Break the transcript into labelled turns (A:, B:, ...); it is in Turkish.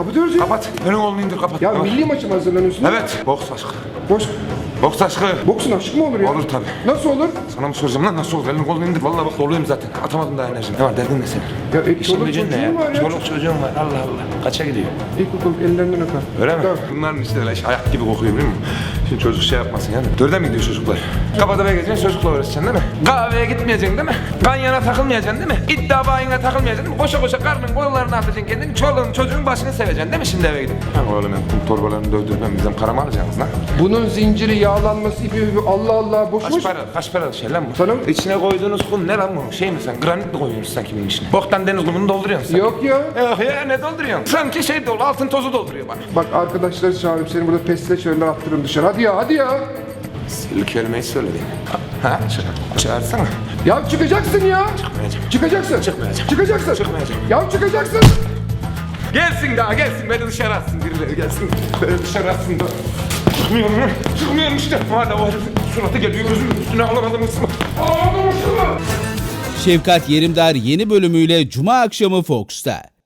A: kapatıyoruz ya.
B: Kapat. Önün kolunu indir kapat.
A: Ya
B: Kapat.
A: milli maçı mı hazırlanıyorsun?
B: Evet. Boks aşkı.
A: Boş.
B: Boks aşkı.
A: Boksun aşkı mı olur ya?
B: Olur tabii.
A: Nasıl olur?
B: Sana mı soracağım lan nasıl olur? Elini kolunu indir. Vallahi bak doluyum zaten. Atamadım daha enerjimi. Ne var derdin ne senin?
A: Ya
B: İşin
A: çoluk
B: gücün ne
A: çocuğun
B: ya?
A: var ya.
B: Çoluk çocuğun var. Allah Allah. Kaça gidiyor?
A: İlkokul ellerinden öper.
B: Öyle mi?
A: Tamam.
B: Bunların işte öyle ayak gibi kokuyor biliyor musun? Şimdi çocuk şey yapmasın yani. Dörde mi gidiyor çocuklar? Kafada gezeceksin çocukla uğraşacaksın değil mi? Kahveye gitmeyeceksin değil mi? Kanyana takılmayacaksın değil mi? İddia bayına takılmayacaksın değil mi? Koşa koşa karnın kollarını atacaksın kendini. Çoluğun çocuğun başını seveceksin değil mi şimdi eve gidip? Ha oğlum ben kum torbalarını dövdürmem bizden para mı alacaksınız lan?
A: Bunun zinciri, yağlanması, ipi, Allah Allah boş boş.
B: Kaç para şey lan bu?
A: Sana-
B: İçine koyduğunuz kum ne lan bu? Şey mi sen? Granit mi koyuyorsun sanki bunun içine? Boktan deniz kumunu dolduruyorsun sen.
A: Yok ya.
B: Yok ya ne dolduruyorsun? Sanki şey dolu altın tozu dolduruyor bana.
A: Bak arkadaşları çağırıp seni burada pestle çağırırlar attırırım dışarı. Hadi ya hadi ya.
B: Sil kelimeyi söyledin. Ha? Çağırsana.
A: Ya çıkacaksın ya.
B: Çıkmayacağım.
A: Çıkacaksın.
B: Çıkmayacağım.
A: Çıkacaksın.
B: Çıkmayacağım.
A: Ya çıkacaksın.
B: Gelsin daha gelsin beni dışarı atsın birileri gelsin. Beni dışarı atsın da. Çıkmıyorum lan. Çıkmıyorum işte. Hala o herifin suratı geliyor gözümün üstüne alamadım ısma. Alamadım ısma.
C: Şefkat Yerimdar yeni bölümüyle Cuma akşamı Fox'ta.